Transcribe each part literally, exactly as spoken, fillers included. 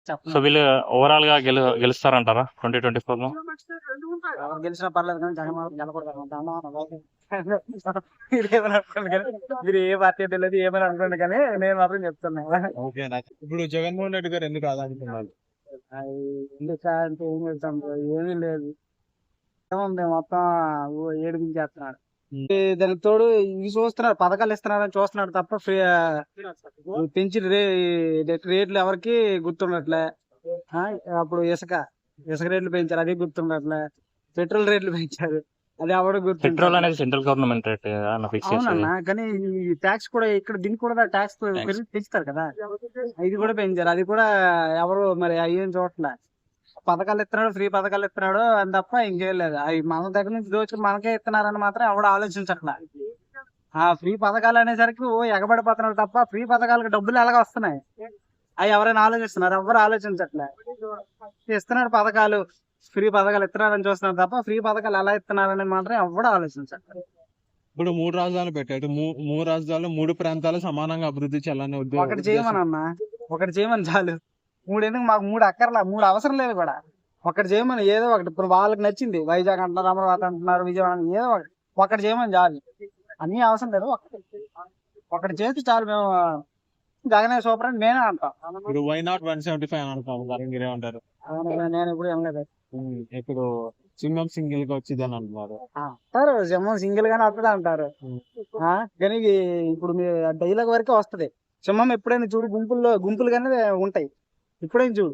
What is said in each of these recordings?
So చెప్పలేం. వీళ్ళు overall గా గెలు గెలుస్తారంటారా ట్వంటీ ట్వంటీ ఫోర్ లో? ఎవరు గెలిచినా పర్లేదు కానీ జగన్ మాత్రం గెలకూడదు అనుకుంటా. మీరు ఏమని అనుకోండి కానీ, మీరు ఏ పార్టీ తెలియదు ఏమని అనుకోండి కానీ నేను మాత్రం చెప్తున్నా. ఓకే ఇప్పుడు జగన్మోహన్ రెడ్డి గారు ఎందుకు ఆదానుకున్నారు? అది ఎందుకు అంటే ఏం చెప్తాం బ్రో, ఏమీ లేదు. ఏముంది మొత్తం ఊ- ఏడిపించేస్తున్నాడు. ఈ దానికి తోడు ఇవి చూస్తున్నాడు, పథకాలు ఇస్తున్నాడని చూస్తున్నాడు తప్ప ఫ్రీ పెంచి రే రేట్లు ఎవరికి గుర్తుండట్లే. ఆ, అప్పుడు ఇసుక ఇసుక రేట్లు పెంచారు, అది గుర్తుండట్లే. పెట్రోల్ రేట్లు పెంచారు, అది ఎవరు పెట్రోల్ గుర్తుండట్లే. అనేది సెంట్రల్ గవర్నమెంట్ రేట్ ఫిక్స్ చేసేది. అవునన్నా, కానీ ఈ ట్యాక్స్ కూడా ఇక్కడ దీనికి కూడా ట్యాక్స్ పెంచుతారు కదా, ఇది కూడా పెంచారు, అది కూడా ఎవరు మరి అయ్యేం చూడట్లే. పథకాలు ఇస్తున్నాడు, ఫ్రీ పథకాలు ఇస్తున్నాడు అని తప్ప ఇంకేం లేదు. అవి మన దగ్గర నుంచి దోచుకుని మనకే ఇస్తున్నారని మాత్రం ఎవడు ఆలోచించట్లే. ఆ ఫ్రీ పథకాలు అనేసరికి ఓ ఎగబడిపోతున్నాడు తప్ప ఫ్రీ పథకాలకు డబ్బులు ఎలాగ వస్తున్నాయి అవి ఎవరైనా ఆలోచిస్తున్నారు? ఎవరు ఆలోచించట్లే. ఇస్తున్నాడు పథకాలు, ఫ్రీ పథకాలు ఇస్తున్నారని చూస్తున్నారు తప్ప ఫ్రీ పథకాలు ఎలా ఇస్తున్నారని మాత్రం ఎవడు ఆలోచించట్లేదు. ఇప్పుడు మూడు రాజధానులు పెట్టాడు. మూ- మూడు రాజధానులు మూడు ప్రాంతాలు సమానంగా అభివృద్ధి చేయాలనే ఉద్దే- ఒకటి చేయమని అన్నా, ఒకటి చేయమని చాలు. మూడు ఎందుకు, మాకు మూడు అక్కర్లా, మూడు అవసరం లేదు కూడా. ఒకటి చేయమని, ఏదో ఒకటి. ఇప్పుడు వాళ్ళకి నచ్చింది వైజాగ్ అంటున్నారు, అమరావతి అంటున్నారు, విజయవాడ అంటున్నారు, ఏదో ఒకటి ఒకటి చేయమని చాలు. అన్ని అవసరం లేదు, ఒకటి ఒకటి చేస్తే చాలు. మేము జగనే సూపర్ అని నేనే అంటాం. ఇప్పుడు why not one seventy five అని అంటాం. దాని మీరే ఉంటారు. అవును, నేను ఇప్పుడు ఏం లేదు ఉమ్, ఇప్పుడు సింగం సింగిల్ గా వచ్చిందని అంటున్నారు. అంటారు, సింహం సింగిల్ గానే వస్తుంది అంటారు. ఆ, కానీ ఇది ఇప్పుడు మీ డైలాగ్ వరకే వస్తది. సింహం ఎప్పుడైనా చూడు గుంపుల్లో గుంపులుగానే ఉంటాయి. ఎప్పుడైనా చూడు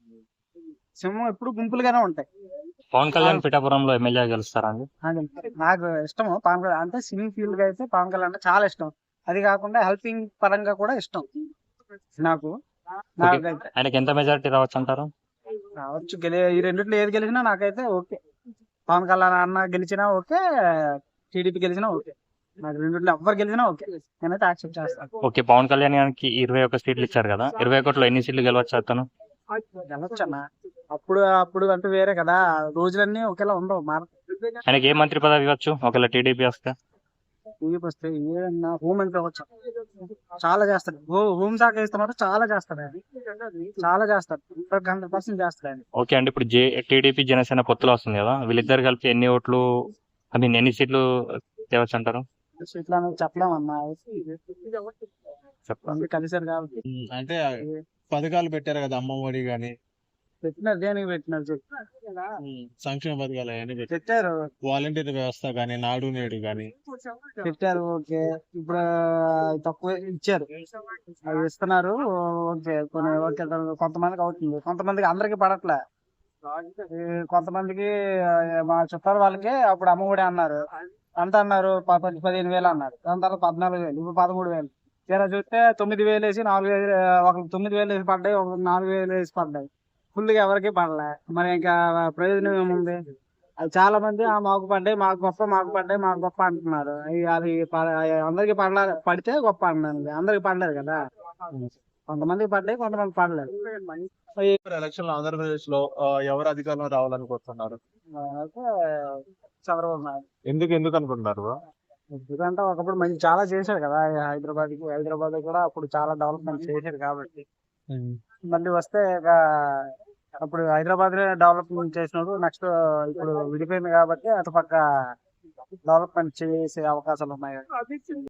సింహం ఎప్పుడు గుంపులుగానే ఉంటాయి. పవన్ కళ్యాణ్ పిఠాపురంలో ఎమ్మెల్యే గెలుస్తారండి? అది నాకు ఇష్టము పవన్ కళ్యాణ్ అంటే. సినీ ఫీల్డ్ గా అయితే పవన్ కళ్యాణ్ అంటే చాలా ఇష్టం. అది కాకుండా హెల్పింగ్ పరంగా కూడా ఇష్టం నాకు. నాకైతే ఆయనకి ఎంత మెజారిటీ రావచ్చు అంటారు? రావచ్చు, గెలి ఈ రెండిట్లో ఏది గెలిచినా నాకైతే ఓకే. పవన్ కళ్యాణ్ అన్న గెలిచినా ఓకే, టీడీపీ గెలిచినా ఓకే. నాకు రెండిట్లో ఎవ్వరు గెలిచినా ఓకే, నేనైతే యాక్సెప్ట్ చేస్తాను. ఓకే, పవన్ కళ్యాణ్ గారికి ఇరవై ఒక్క సీట్లు ఇచ్చారు కదా, ఇరవై ఒకటిలో ఎన్ని సీట్లు గెలవచ్చు అతను? గెలవచ్చు అన్న. అప్పుడు అప్పుడు అంటే వేరే కదా, రోజులన్నీ ఒకేలా ఉండవు. మార ఆయనకి ఏ మంత్రి పదవి ఇవ్వచ్చు ఒకవేళ టీడీపీ వస్తే? టీడీపీ వస్తే ఏదన్నా హోమ్ మంత్రి అవ్వచ్చు, చాలా చేస్తాడు. హో హోమ్ శాఖ ఇస్తే మాత్రం చాలా చేస్తాడు ఆయన, చాలా చేస్తాడు, హండ్రెడ్ పర్సెంట్ చేస్తాడు ఆయన. ఓకే అండి, ఇప్పుడు జే టీడీపీ జనసేన పొత్తులో వస్తుంది కదా, వీళ్ళిద్దరు కలిపి ఎన్ని ఓట్లు ఐ మీన్ ఎన్ని సీట్లు తేవచ్చు అంటారు? ఇట్లా అనేది చెప్పలేమన్నా, చెప్పండి. కలిసారు కాబట్టి. ఉమ్, అంటే పథకాలు పెట్టారు కదా, అమ్మ ఒడి గాని పెట్టినారు, దేనికి పెట్టినారు చెప్పు. ఉమ్, సంక్షేమ పథకాలు అవన్నీ పెట్టారు. పెట్టారు వాలంటీర్ వ్యవస్థ గాని, నాడు నేడు గాని పెట్టారు ఓకే. ఇప్పుడు తక్కువ ఇచ్చారు, అవి ఇస్తున్నారు ఓకే. కొన్ని ఓకే, కొంతమందికి అవుతుంది, కొంతమందికి అందరికి పడట్లే. ఈ కొంతమందికి ఆ, మా చుట్టాల వాళ్ళకి అప్పుడు అమ్మఒడి అన్నారు, ఎంత అన్నారు, ప- పది పదిహేను వేలు అన్నారు. దాని తర్వాత పద్నాలుగు వేలు, ఇప్పుడు పదమూడు వేలు. తీరా చూస్తే తొమ్మిది వేలు వేసి నాలుగు వేలు, ఒక తొమ్మిది వేలు వేసి పడ్డాయి, ఒక నాలుగు వేలు వేసి పడ్డాయి. ఫుల్గా ఎవరికి పడలే. మరి ఇంకా ప్రయోజనం ఏముంది? అది చాలా మంది ఆ మాకు పడ్డాయి, మాకు గొప్ప, మాకు పడ్డాయి, మాకు గొప్ప అంటున్నారు. అవి అది ప- అందరికి పడలే, పడితే గొప్ప అంటున్నారు, అందరికి పడలేదు కదా. కొంతమందికి పడ్డాయి, కొంతమంది పడలేదు. ఎలక్షన్ లో ఆంధ్రప్రదేశ్ లో ఆ, ఎవరు అధికారంలో రావాలనుకుంటున్నారు? అయితే చంద్రబాబు నాయుడు. ఎందుకు ఎందుకు అనుకుంటున్నారు? ఎందుకంటే ఒకప్పుడు మంచి చాలా చేశాడు కదా, హైదరాబాద్ కి హైదరాబాద్ కూడా అప్పుడు చాలా డెవలప్మెంట్ చేశాడు కాబట్టి. మళ్ళీ వస్తే ఇక అప్పుడు హైదరాబాద్ డెవలప్మెంట్ చేసినప్పుడు నెక్స్ట్ ఇప్పుడు విడిపోయింది కాబట్టి అటుపక్క డెవలప్మెంట్ చేసే అవకాశాలు ఉన్నాయి.